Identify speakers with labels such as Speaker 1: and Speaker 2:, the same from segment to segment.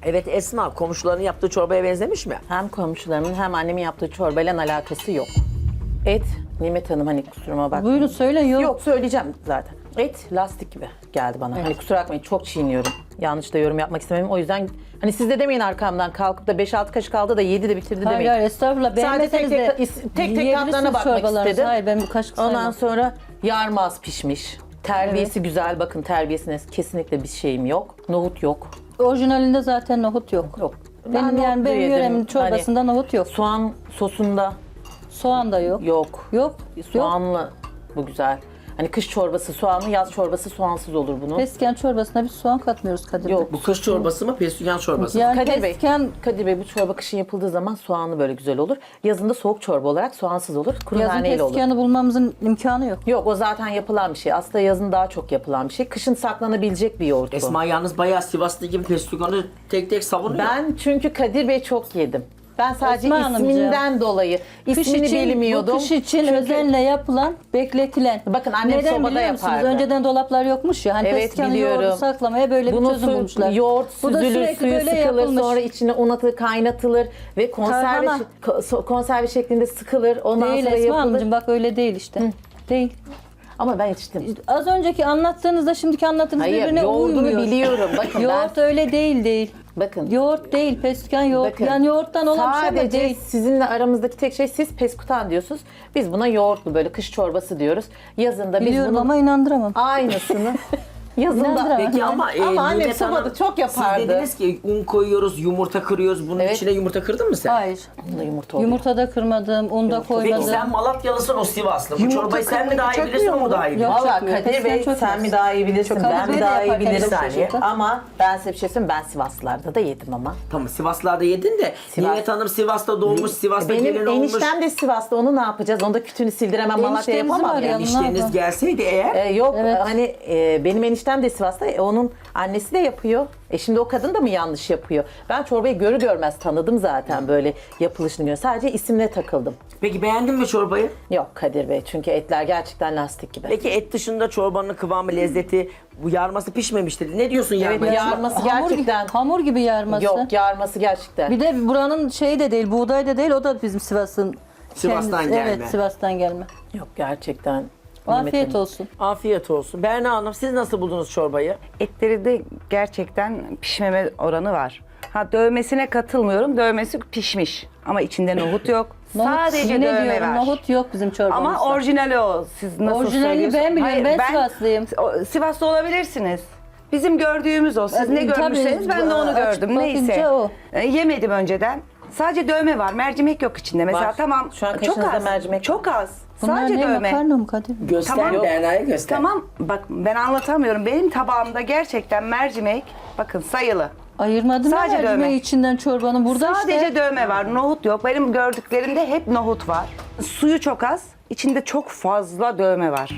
Speaker 1: Evet Esma, komşuların yaptığı çorbaya benzemiş mi?
Speaker 2: Hem komşularımın hem annemin yaptığı çorbayla alakası yok. Et, Nimet Hanım hani kusuruma bak.
Speaker 3: Buyurun söyle yok.
Speaker 2: Yok söyleyeceğim zaten. Et lastik gibi geldi bana. Hani kusura bakmayın çok çiğniyorum. Yanlış da yorum yapmak istemedim. O yüzden hani siz de demeyin arkamdan kalkıp da 5-6 kaşık aldı da yedi de bitirdi
Speaker 3: Hayır
Speaker 2: demeyin.
Speaker 3: hayır estağfurullah.
Speaker 2: Sadece
Speaker 3: Beğenmeseniz de
Speaker 2: tek
Speaker 3: yiyebilirsiniz
Speaker 2: tatlarına bakmak
Speaker 3: çorbalarınızı.
Speaker 2: istedim.
Speaker 3: Hayır ben bu kaşık
Speaker 2: Ondan
Speaker 3: saymam.
Speaker 2: sonra yarma az pişmiş. Terbiyesi güzel. Bakın terbiyesine kesinlikle bir şeyim yok. Nohut yok.
Speaker 3: Orijinalinde zaten nohut yok.
Speaker 2: Yok.
Speaker 3: Benim
Speaker 2: nohut
Speaker 3: yani benim
Speaker 2: yedim.
Speaker 3: yöremin çorbasında
Speaker 2: Hani
Speaker 3: nohut yok.
Speaker 2: soğan sosunda
Speaker 3: Soğan da yok.
Speaker 2: yok.
Speaker 3: Yok.
Speaker 2: Soğanlı bu güzel. Hani kış çorbası soğanlı, yaz çorbası soğansız olur bunun.
Speaker 3: Pesken çorbasına biz soğan katmıyoruz Kadir Bey.
Speaker 2: Yok.
Speaker 1: Bu kış çorbası mı, pestilyan çorbası mı?
Speaker 3: Yani
Speaker 2: Kadir Bey,
Speaker 3: pesken
Speaker 2: Kadir Bey bu çorba kışın yapıldığı zaman soğanlı böyle güzel olur. Yazında soğuk çorba olarak soğansız olur. Kuru
Speaker 3: yazın
Speaker 2: naneyle olur.
Speaker 3: pesken'i bulmamızın imkanı yok.
Speaker 2: Yok o zaten yapılan bir şey. Aslında yazın daha çok yapılan bir şey. Kışın saklanabilecek bir yoğurt bu.
Speaker 1: Esma yalnız bayağı Sivaslı gibi pestilyanı tek tek savunuyor.
Speaker 2: Ben çünkü Kadir Bey çok yedim. Ben sadece
Speaker 3: Esma Hanımcığım,
Speaker 2: isminden dolayı ismini bilmiyordum.
Speaker 3: Bu kış için
Speaker 2: Çünkü-
Speaker 3: özenle yapılan, bekletilen.
Speaker 2: Bakın annem
Speaker 3: Neden
Speaker 2: sobada
Speaker 3: biliyor musunuz?
Speaker 2: yapardı.
Speaker 3: Önceden dolaplar yokmuş ya. Hani
Speaker 2: Evet,
Speaker 3: peskenli
Speaker 2: biliyorum.
Speaker 3: yoğurdu saklamaya böyle bir
Speaker 2: Bunun
Speaker 3: çözüm bulmuşlar.
Speaker 2: yoğurt
Speaker 3: Bu da
Speaker 2: süzülür,
Speaker 3: sürekli
Speaker 2: suyu
Speaker 3: böyle
Speaker 2: sıkılır,
Speaker 3: yapılmış.
Speaker 2: sonra içine un atılır, kaynatılır ve konserve,
Speaker 3: Tarhana.
Speaker 2: konserve şeklinde sıkılır. Ondan
Speaker 3: Değil
Speaker 2: sonra
Speaker 3: Esma
Speaker 2: yapılır.
Speaker 3: Hanımcığım bak öyle değil işte. Değil.
Speaker 2: Ama ben içtim.
Speaker 3: Az önceki anlattığınızda şimdiki anlattığınız
Speaker 2: Hayır,
Speaker 3: birbirine
Speaker 2: yoğurdunu
Speaker 3: uymuyor.
Speaker 2: biliyorum. Bakın
Speaker 3: Yoğurt öyle değil.
Speaker 2: bakın.
Speaker 3: Yoğurt değil, pesken yoğurt.
Speaker 2: Bakın,
Speaker 3: Yani yoğurttan olan bir şey ama
Speaker 2: sadece
Speaker 3: değil.
Speaker 2: sizinle aramızdaki tek şey siz peskutan diyorsunuz. Biz buna yoğurtlu böyle kış çorbası diyoruz. Yazında biz
Speaker 3: Biliyorum
Speaker 2: bunun
Speaker 3: ama inandıramam.
Speaker 2: aynısını yazında
Speaker 3: İnandıramam.
Speaker 1: Peki ama,
Speaker 2: annem
Speaker 1: Nimet Hanım,
Speaker 2: sobada çok yapardı.
Speaker 1: Siz dediniz ki un koyuyoruz, yumurta kırıyoruz. Bunun
Speaker 2: Evet.
Speaker 1: içine yumurta kırdın mı sen?
Speaker 3: Hayır.
Speaker 2: Bunda yumurta oluyor.
Speaker 3: Yumurtada kırmadım, unda
Speaker 1: Peki
Speaker 3: koymadım.
Speaker 1: sen Malatyalısın, o Sivaslı. Bu
Speaker 4: Yumurta
Speaker 1: çorbayı sen mi
Speaker 4: kırmayı
Speaker 1: daha iyi bilirsin,
Speaker 4: çökmüyor
Speaker 1: o mu
Speaker 4: mu?
Speaker 1: daha iyi bilir?
Speaker 3: Yok.
Speaker 2: Valla
Speaker 3: çökmüyor.
Speaker 2: Kadir Bey
Speaker 3: Pesken
Speaker 2: sen
Speaker 3: çökmez.
Speaker 2: mi daha iyi bilirsin,
Speaker 3: Kadir
Speaker 2: ben
Speaker 3: Bey
Speaker 2: mi
Speaker 3: de
Speaker 2: daha iyi
Speaker 3: yaparken
Speaker 2: bilirim.
Speaker 3: çok şaşırdı.
Speaker 2: Ama ben size bir şey söyleyeyim, ben Sivaslılarda da yedim ama.
Speaker 1: Tamam, Sivaslılarda yedin de
Speaker 2: Sivas-
Speaker 1: Nimet Hanım Sivas'ta doğmuş, Sivas'ta gelin
Speaker 2: Benim
Speaker 1: olmuş.
Speaker 2: eniştem de Sivas'ta, onu ne yapacağız? Onu da kütüğünü sildiremem, Malatya
Speaker 3: Eniştemizi
Speaker 2: yapamam
Speaker 3: var
Speaker 2: yani.
Speaker 3: ya.
Speaker 1: Enişteniz gelseydi eğer,
Speaker 2: Yok
Speaker 3: Evet.
Speaker 2: hani benim eniştem de Sivas'ta, onun annesi de yapıyor. Şimdi o kadın da mı yanlış yapıyor? Ben çorbayı görür görmez tanıdım zaten böyle yapılışını gör. Sadece isimle takıldım.
Speaker 1: peki beğendin mi çorbayı?
Speaker 2: Yok Kadir Bey çünkü etler gerçekten lastik gibi.
Speaker 1: Peki et dışında çorbanın kıvamı, lezzeti, bu yarması pişmemiştir. Ne diyorsun
Speaker 2: Evet,
Speaker 1: yarmaya?
Speaker 2: yarması gerçekten.
Speaker 3: Hamur gibi yarması.
Speaker 2: Yok yarması gerçekten.
Speaker 3: Bir de buranın şeyi de değil, buğday da değil, o da bizim Sivas'ın
Speaker 1: Sivas'tan
Speaker 3: kendisi.
Speaker 1: gelme.
Speaker 3: Evet, Sivas'tan gelme.
Speaker 2: Yok gerçekten.
Speaker 3: Afiyet
Speaker 2: Nimet Hanım.
Speaker 3: olsun.
Speaker 1: Afiyet olsun. Berna Hanım, siz nasıl buldunuz çorbayı?
Speaker 4: Etleri de gerçekten pişmeme oranı var. Ha dövmesine katılmıyorum. Dövmesi pişmiş. Ama içinde nohut yok. Sadece
Speaker 3: yine
Speaker 4: dövme
Speaker 3: diyorum,
Speaker 4: var.
Speaker 3: nohut yok bizim çorbamızda.
Speaker 4: Ama orijinali o. Siz nasıl
Speaker 3: Orijinalini
Speaker 4: söylüyorsunuz?
Speaker 3: ben biliyorum,
Speaker 4: Hayır,
Speaker 3: ben Sivaslıyım.
Speaker 4: Sivaslı olabilirsiniz. Bizim gördüğümüz o. Siz ne
Speaker 3: Tabii,
Speaker 4: görmüşseniz ben de onu
Speaker 3: açık
Speaker 4: gördüm. Neyse.
Speaker 3: bakınca o.
Speaker 4: Yemedim önceden. Sadece dövme var. Mercimek yok içinde. Mesela
Speaker 2: Var.
Speaker 4: tamam.
Speaker 2: Şu an
Speaker 4: çok
Speaker 2: kaşınızda
Speaker 4: az.
Speaker 2: mercimek
Speaker 4: Çok az.
Speaker 3: Bunlar
Speaker 4: Sadece
Speaker 3: ne,
Speaker 4: dövme.
Speaker 3: makarna mı Kadir?
Speaker 1: Göster,
Speaker 4: Tamam.
Speaker 1: Berna'ya göster.
Speaker 4: Tamam bak ben anlatamıyorum. Benim tabağımda gerçekten mercimek bakın sayılı.
Speaker 3: Ayırmadım
Speaker 4: Sadece
Speaker 3: ya mercimeği
Speaker 4: dövme.
Speaker 3: içinden çorbanın. Burada
Speaker 4: Sadece
Speaker 3: işte.
Speaker 4: dövme var. Nohut yok. Benim gördüklerimde hep nohut var. Suyu çok az. İçinde çok fazla dövme var.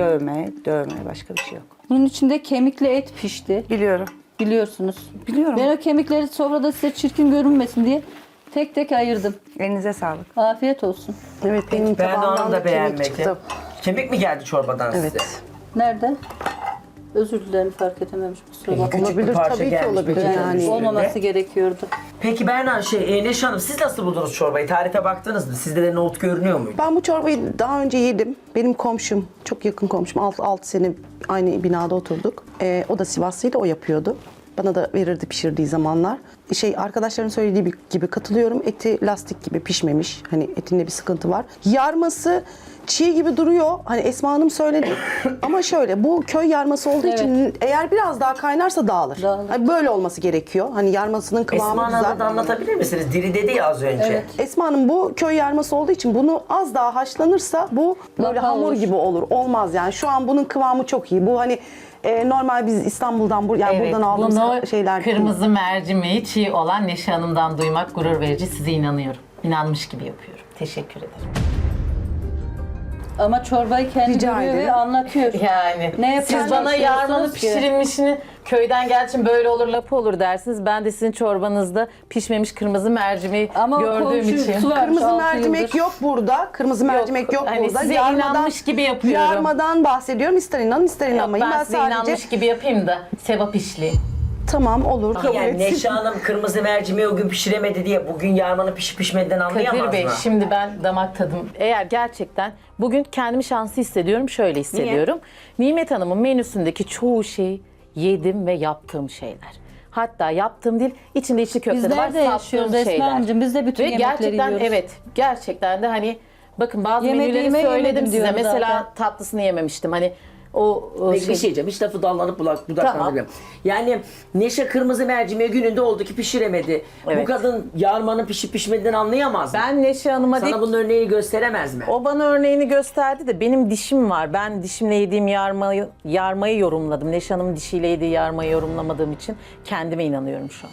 Speaker 4: Dövme başka bir şey yok.
Speaker 3: Bunun içinde kemikli et pişti.
Speaker 4: Biliyorum.
Speaker 3: Biliyorsunuz.
Speaker 4: Biliyorum.
Speaker 3: Ben o kemikleri sofrada size çirkin görünmesin diye tek tek ayırdım.
Speaker 4: Elinize sağlık.
Speaker 3: Afiyet olsun.
Speaker 4: Evet benim
Speaker 1: Berna
Speaker 4: tabağımdan
Speaker 1: Hanım
Speaker 4: da
Speaker 1: da
Speaker 4: kemik
Speaker 1: beğenmedi.
Speaker 4: çıktı.
Speaker 1: Kemik mi geldi çorbadan size?
Speaker 4: Evet.
Speaker 3: Nerede? Özür dilerim fark edememiş. Kusura bakma.
Speaker 1: Küçük bir
Speaker 4: Olabilir,
Speaker 1: parça
Speaker 4: tabii ki
Speaker 1: gelmiş,
Speaker 4: olabilir
Speaker 1: peçetenin
Speaker 4: yani.
Speaker 1: üstünde.
Speaker 3: Olmaması gerekiyordu.
Speaker 1: Peki Berna, Neşe Hanım, siz nasıl buldunuz çorbayı? Tarife baktınız mı? Sizde de nohut görünüyor muydu?
Speaker 5: Ben bu çorbayı daha önce yedim. Benim komşum, çok yakın komşum, 6 sene aynı binada oturduk. O da Sivaslıydı, o yapıyordu. Bana da verirdi pişirdiği zamanlar. Arkadaşların söylediği gibi katılıyorum. Eti lastik gibi pişmemiş. Hani etinde bir sıkıntı var. Yarması çiğ gibi duruyor. Hani Esma Hanım söyledi. Ama şöyle, bu köy yarması olduğu için eğer biraz daha kaynarsa dağılır.
Speaker 3: Dağılır.
Speaker 5: Hani böyle olması gerekiyor. Hani yarmasının kıvamı
Speaker 1: Esma
Speaker 5: güzel.
Speaker 1: Hanım'ı da anlatabilir misiniz? Diri dedi ya az önce.
Speaker 3: Evet.
Speaker 5: Esma Hanım, bu köy yarması olduğu için bunu az daha haşlanırsa bu böyle
Speaker 3: Lapa
Speaker 5: hamur
Speaker 3: olur.
Speaker 5: gibi olur. Olmaz yani. Şu an bunun kıvamı çok iyi. Bu hani normal biz İstanbul'dan yani buradan aldığımız
Speaker 2: bunu
Speaker 5: şeyler.
Speaker 2: kırmızı mercimeği çiğ olan Neşe Hanım'dan duymak gurur verici. Size inanıyorum. İnanmış gibi yapıyorum. Teşekkür ederim.
Speaker 3: Ama çorbayı kendi
Speaker 5: Rica
Speaker 3: görüyor ve
Speaker 5: ederim.
Speaker 3: anlatıyor.
Speaker 2: Yani
Speaker 3: Ne
Speaker 2: siz bana
Speaker 3: yapacaksınız
Speaker 2: yarmanın
Speaker 3: ki?
Speaker 2: pişirilmişini köyden gelçin böyle olur lapı olur dersiniz. Ben de sizin çorbanızda pişmemiş kırmızı mercimeği
Speaker 3: Ama o
Speaker 2: gördüğüm
Speaker 3: komşusu
Speaker 2: için.
Speaker 3: var.
Speaker 5: Kırmızı
Speaker 3: 6
Speaker 5: mercimek
Speaker 3: yıldır.
Speaker 5: yok burada. Kırmızı mercimek yok
Speaker 2: hani
Speaker 5: burada.
Speaker 2: size inanmış gibi yapıyorum.
Speaker 5: Yarmadan bahsediyorum. İster inanın ister
Speaker 2: Yok,
Speaker 5: inanmayın.
Speaker 2: ben
Speaker 5: Ben
Speaker 2: size
Speaker 5: sadece
Speaker 2: inanmış gibi yapayım da sevap işleyeyim.
Speaker 5: Tamam olur kabul
Speaker 1: Yani
Speaker 5: etsin.
Speaker 1: Neşe Hanım kırmızı mercimeği o gün pişiremedi diye bugün yarmanın pişip pişmediğinden anlayamaz
Speaker 2: Kadir Bey,
Speaker 1: mı?
Speaker 2: şimdi ben damak tadım, eğer gerçekten bugün kendimi şanslı hissediyorum, şöyle hissediyorum. Nimet Hanım'ın menüsündeki çoğu şeyi yedim ve yaptığım şeyler. Hatta yaptığım değil, içinde içli köfte de var,
Speaker 3: Bizler de yaşıyoruz
Speaker 2: sattığım
Speaker 3: Esma
Speaker 2: şeyler.
Speaker 3: Hanımcığım, biz de bütün
Speaker 2: Ve
Speaker 3: yemekleri
Speaker 2: gerçekten
Speaker 3: yiyoruz.
Speaker 2: evet, gerçekten de hani bakın bazı
Speaker 3: Yemediğime
Speaker 2: menüleri söyledim
Speaker 3: yemedim
Speaker 2: size.
Speaker 3: diyorum
Speaker 2: Mesela
Speaker 3: zaten.
Speaker 2: tatlısını yememiştim. Hani o
Speaker 1: Peki bir şey diyeceğim. Hiç lafı dallanıp budaklanabilirim. Yani Neşe kırmızı mercimeği gününde oldu ki pişiremedi. Bu
Speaker 2: Evet.
Speaker 1: kadın yarmanın pişip pişmediğini anlayamaz mı?
Speaker 2: Ben Neşe Hanım'a
Speaker 1: Sana bunun örneğini gösteremez mi?
Speaker 2: O bana örneğini gösterdi de benim dişim var. Ben dişimle yediğim yarmayı yorumladım. Neşe Hanım'ın dişiyle yediği yarmayı yorumlamadığım için kendime inanıyorum şu an.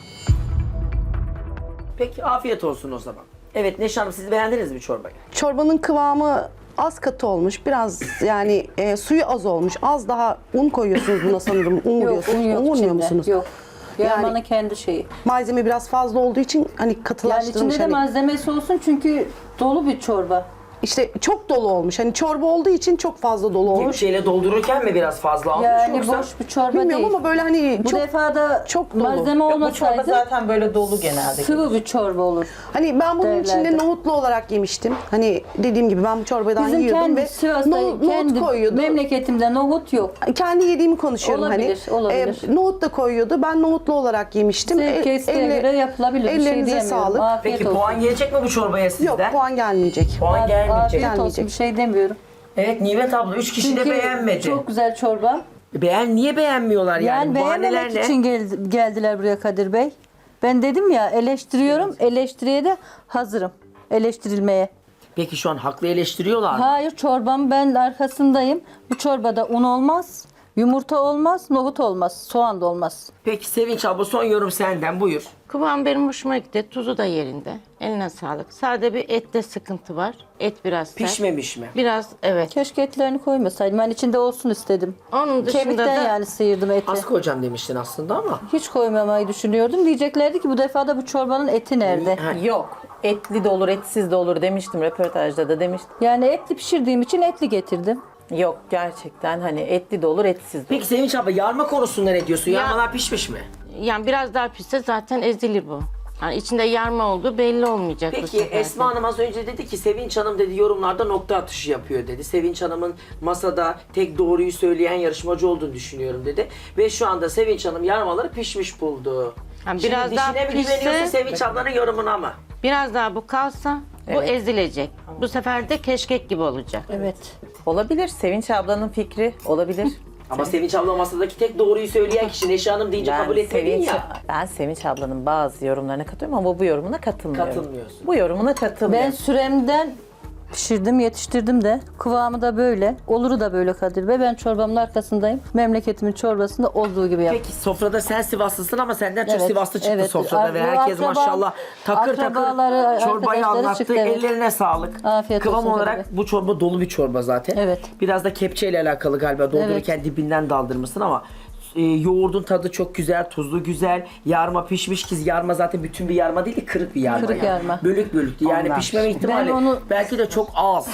Speaker 1: Peki afiyet olsun o zaman. Evet Neşe Hanım, siz beğendiniz mi çorbayı?
Speaker 5: Çorbanın kıvamı az katı olmuş. Biraz yani suyu az olmuş. Az daha un koyuyorsunuz buna sanırım. Un
Speaker 3: Yok,
Speaker 5: vuruyorsunuz.
Speaker 3: un yok
Speaker 5: vurmuyor
Speaker 3: içinde.
Speaker 5: musunuz?
Speaker 3: Yok.
Speaker 5: Yani-
Speaker 3: Yarmanın kendi şeyi.
Speaker 5: Malzeme biraz fazla olduğu için hani
Speaker 3: Yani
Speaker 5: katılaştırmış.
Speaker 3: içinde de
Speaker 5: hani.
Speaker 3: malzemesi olsun çünkü dolu bir çorba.
Speaker 5: İşte çok dolu olmuş. Hani çorba olduğu için çok fazla dolu olmuş.
Speaker 1: Kepçeyle doldururken mi biraz fazla almış
Speaker 3: Yani
Speaker 1: yoksa?
Speaker 3: boş bir çorba
Speaker 5: Bilmiyorum
Speaker 3: değil.
Speaker 5: ama böyle hani
Speaker 3: Bu
Speaker 5: çok
Speaker 3: defa da
Speaker 5: çok dolu.
Speaker 3: malzeme
Speaker 2: Bu çorba
Speaker 3: olmasaydı
Speaker 2: zaten böyle dolu genelde.
Speaker 3: sıvı bir çorba olur.
Speaker 5: hani ben bunun içinde
Speaker 3: Derlerdi.
Speaker 5: nohutlu olarak yemiştim. Hani dediğim gibi ben bu çorbadan
Speaker 3: Bizim
Speaker 5: yiyordum
Speaker 3: kendi
Speaker 5: ve
Speaker 3: Sivas'ta,
Speaker 5: nohut
Speaker 3: kendi
Speaker 5: koyuyordu.
Speaker 3: memleketimde nohut yok.
Speaker 5: Kendi yediğimi konuşuyorum
Speaker 3: Olabilir,
Speaker 5: hani.
Speaker 3: olabilir.
Speaker 5: Nohut da koyuyordu. Ben nohutlu olarak yemiştim.
Speaker 3: Zevk isteğe
Speaker 5: Elle-
Speaker 3: göre yapılabilir. Bir şey
Speaker 5: ellerinize
Speaker 3: diyemiyorum.
Speaker 5: sağlık.
Speaker 3: Afiyet
Speaker 1: Peki
Speaker 3: olsun.
Speaker 1: puan gelecek mi bu çorbaya sizden?
Speaker 5: Yok puan gelmeyecek.
Speaker 1: Puan gelmeyecek.
Speaker 3: Afiyet olsun,
Speaker 5: Gelmeyecek.
Speaker 3: bir şey demiyorum.
Speaker 1: Evet Nimet abla 3 kişi de
Speaker 3: Çünkü
Speaker 1: beğenmedi.
Speaker 3: çok güzel çorba.
Speaker 1: Niye beğenmiyorlar yani?
Speaker 3: Yani
Speaker 1: Bahaneler
Speaker 3: beğenmemek
Speaker 1: ne?
Speaker 3: için geldiler buraya Kadir Bey. Ben dedim ya eleştiriyorum, eleştiriye de hazırım. Eleştirilmeye.
Speaker 1: Peki şu an haklı eleştiriyorlar mı?
Speaker 3: Hayır, çorbam ben arkasındayım. Bu çorbada un olmaz, yumurta olmaz, nohut olmaz, soğan da olmaz.
Speaker 1: Peki Sevinç abla son yorum senden, buyur.
Speaker 6: Kıvam benim hoşuma gitti. Tuzu da yerinde. Eline sağlık. Sade bir ette sıkıntı var. Et biraz sert.
Speaker 1: Pişmemiş mi?
Speaker 6: Biraz evet.
Speaker 3: Keşke etlerini koymasaydım. Ben içinde olsun istedim.
Speaker 6: Onun dışında
Speaker 3: Kemikten
Speaker 6: da
Speaker 3: yani sıyırdım eti.
Speaker 1: Az koyacağım demiştin aslında ama.
Speaker 3: Hiç koymamayı düşünüyordum. Diyeceklerdi ki bu defa da bu çorbanın eti nerede?
Speaker 1: Ha,
Speaker 2: Yok. Etli de olur, etsiz de olur demiştim. Röportajda da demiştim.
Speaker 3: Yani etli pişirdiğim için etli getirdim.
Speaker 2: Yok gerçekten hani etli de olur, etsiz de olur.
Speaker 1: Peki Sevinç abla yarma konusunda ne diyorsun?
Speaker 6: Ya-
Speaker 1: Yarmalar pişmiş mi?
Speaker 6: yani biraz daha pişse zaten ezilir bu. Yani içinde yarma olduğu belli olmayacak bu
Speaker 1: Peki
Speaker 6: sefer de.
Speaker 1: Esma Hanım az önce dedi ki Sevinç Hanım dedi yorumlarda nokta atışı yapıyor dedi. Sevinç Hanım'ın masada tek doğruyu söyleyen yarışmacı olduğunu düşünüyorum dedi. Ve şu anda Sevinç Hanım yarmaları pişmiş buldu.
Speaker 6: Yani
Speaker 1: Şimdi
Speaker 6: biraz daha
Speaker 1: dişine mi
Speaker 6: pişse-
Speaker 1: güveniyorsun Sevinç ablanın yorumuna mı?
Speaker 6: Biraz daha bu kalsa bu ezilecek. Bu sefer de keşkek gibi olacak.
Speaker 3: Evet.
Speaker 2: Olabilir. Sevinç ablanın fikri olabilir.
Speaker 1: Ama Sevinç abla masadaki tek doğruyu söyleyen kişi Neşe Hanım deyince kabul etmedin ya.
Speaker 2: Ben Sevinç ablanın bazı yorumlarına katılıyorum ama bu yorumuna katılmıyorum.
Speaker 1: Katılmıyorsun.
Speaker 2: Bu yorumuna katılmıyorum.
Speaker 3: Ben süremden pişirdim, yetiştirdim de. Kıvamı da böyle. Oluru da böyle Kadir Bey. Ben çorbamın arkasındayım. Memleketimin çorbasında olduğu gibi yaptım.
Speaker 1: Peki sofrada sen Sivaslısın ama senden çok
Speaker 3: Evet,
Speaker 1: Sivaslı çıktı
Speaker 3: evet.
Speaker 1: sofrada ve herkes
Speaker 3: Akraba-
Speaker 1: maşallah takır
Speaker 3: akrabaları,
Speaker 1: takır çorbayı
Speaker 3: arkadaşları
Speaker 1: anlattı.
Speaker 3: çıktı, evet.
Speaker 1: Ellerine sağlık.
Speaker 3: Afiyet
Speaker 1: Kıvam
Speaker 3: olsun
Speaker 1: olarak
Speaker 3: tabii.
Speaker 1: bu çorba dolu bir çorba zaten.
Speaker 3: Evet.
Speaker 1: Biraz da kepçeyle alakalı galiba doldururken dibinden daldırmışsın ama yoğurdun tadı çok güzel, tuzlu güzel. Yarma pişmiş ki yarma zaten bütün bir yarma değil de kırık bir yarma.
Speaker 3: Kırık yarma.
Speaker 1: Bölük bölüktü. Yani
Speaker 2: Ondan.
Speaker 1: pişmeme ihtimali
Speaker 3: Ben onu-
Speaker 1: belki de çok az.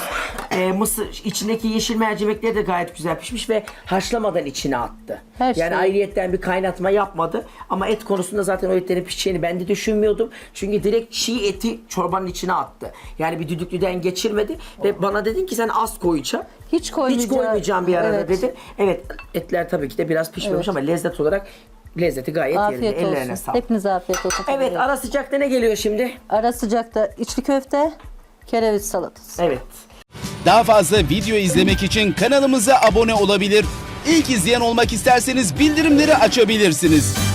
Speaker 1: Mısır içindeki yeşil mercimekleri de gayet güzel pişmiş ve haşlamadan içine attı.
Speaker 3: Her
Speaker 1: yani
Speaker 3: şey.
Speaker 1: ayrıyetten bir kaynatma yapmadı. Ama et konusunda zaten o etlerin pişeceğini ben de düşünmüyordum. Çünkü direkt çiğ eti çorbanın içine attı. Yani bir düdüklüden geçirmedi ve bana dedin ki sen az koyacaksın.
Speaker 3: Hiç
Speaker 1: koymayacağım bir arada
Speaker 3: Evet.
Speaker 1: dedin. Evet, etler tabii ki de biraz pişmemiş ama lezzet olarak lezzeti gayet yerinde.
Speaker 3: Afiyet
Speaker 1: Ellerine
Speaker 3: olsun.
Speaker 1: sağlık.
Speaker 3: Hepinize afiyet olsun. Kadir
Speaker 1: Evet,
Speaker 3: Bey.
Speaker 1: ara sıcakta ne geliyor şimdi?
Speaker 3: Ara sıcakta içli köfte, kereviz salatası.
Speaker 1: Evet.
Speaker 7: Daha fazla video izlemek için kanalımıza abone olabilir. İlk izleyen olmak isterseniz bildirimleri açabilirsiniz.